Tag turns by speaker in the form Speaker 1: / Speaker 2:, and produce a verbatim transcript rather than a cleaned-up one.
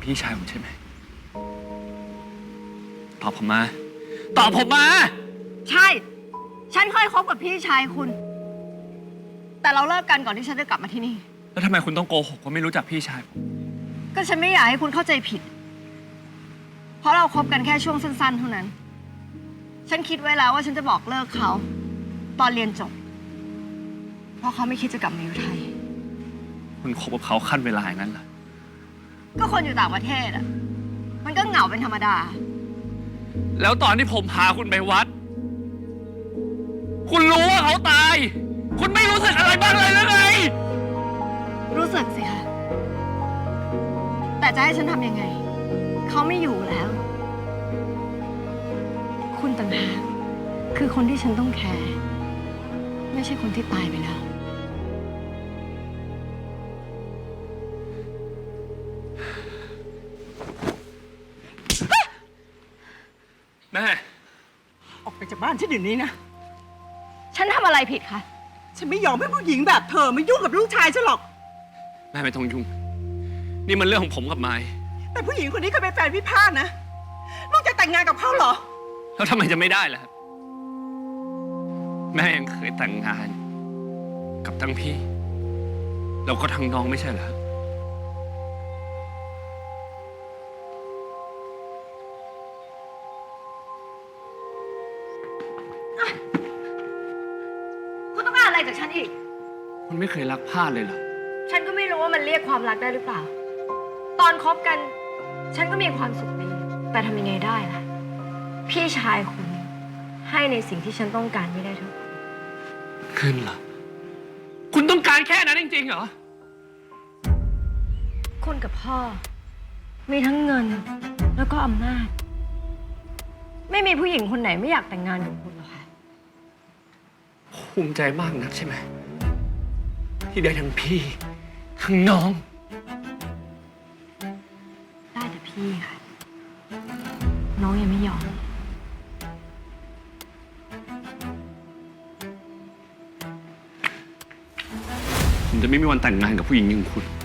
Speaker 1: พี่ชายผมใช่ไหมตอบผมมาตอบผมมา
Speaker 2: ใช่ ฉันเคยคบกับพี่ชายคุณ แต่เราเลิกกันก่อนที่ฉันจะกลับมาที่นี่
Speaker 1: แล้วทำไมคุณต้องโกหกว่าไม่รู้จักพี่ชายผม
Speaker 2: ก็ฉันไม่อยากให้คุณเข้าใจผิด เพราะเราคบกันแค่ช่วงสั้นๆเท่านั้น ฉันคิดไว้แล้วว่าฉันจะบอกเลิกเขา ตอนเรียนจบ เพราะเขาไม่คิดจะกลับมาอยู่ไทย
Speaker 1: คุณคบกับเขาขั้นเวลาอย่างนั้นเหรอ
Speaker 2: ก็คนอยู่ต่างประเทศอ่ะ มันก็เหงาเป็นธรรมดา
Speaker 1: แล้วตอนที่ผมพาคุณไปวัด คุณรู้ว่าเขาตาย คุณไม่รู้สึกอะไรบ้างเลยหรือไง
Speaker 2: รู้สึกสิคะ แต่จะให้ฉันทำยังไง เขาไม่อยู่แล้ว คุณต่างหากคือคนที่ฉันต้องแคร์ ไม่ใช่คนที่ตายไปแล้ว
Speaker 1: แม่
Speaker 3: ออกไปจากบ้านฉันเดี๋ยวนี้นะ
Speaker 2: ฉันทำอะไรผิดคะ
Speaker 3: ฉันไม่ยอมให้ผู้หญิงแบบเธอมายุ่งกับลูกชายฉันหรอก
Speaker 1: แม่ไม่ต้องยุ่ง นี่มันเรื่องของผมกับไม้
Speaker 3: แต่ผู้หญิงคนนี้เคยเป็นแฟนพี่พาดนะ ลูกจะแต่งงานกับเขาเหรอ
Speaker 1: แล้วทำไมจะไม่ได้ล่ะครับ แม่ยังเคยแต่งงาน กับทั้งพี่ แล้วก็ทั้งน้องไม่ใช่เหรอ
Speaker 2: คุณต้องการอะไรจากฉันอีก
Speaker 1: คุณไม่เคยรักพลาดเลยเหรอ
Speaker 2: ฉันก็ไม่รู้ว่ามันเรียกความรักได้หรือเปล่า ตอนคบกัน ฉันก็มีความสุขดี แต่ทำยังไงได้ล่ะ พี่ชายคุณให้ในสิ่งที่ฉันต้องการไม่ได้ทั้งหมด
Speaker 1: ขึ้นเหรอ คุณต้องการแค่นั้นจริงๆเหรอ
Speaker 2: คุณกับพ่อ มีทั้งเงินแล้วก็อำนาจ ไม่มีผู้หญิงคนไหนไม่อยากแต่งงานกับคุณหรอกค่ะ
Speaker 1: ภูมิใจมากนักใช่ไหม ที่ได้ทั้งพี่ ทั้งน้อง
Speaker 2: ได้แต่พี่ค่ะ น้องยังไม่ยอม
Speaker 1: ผมจะไม่มีวันแต่งงานกับผู้หญิงอย่างคุณ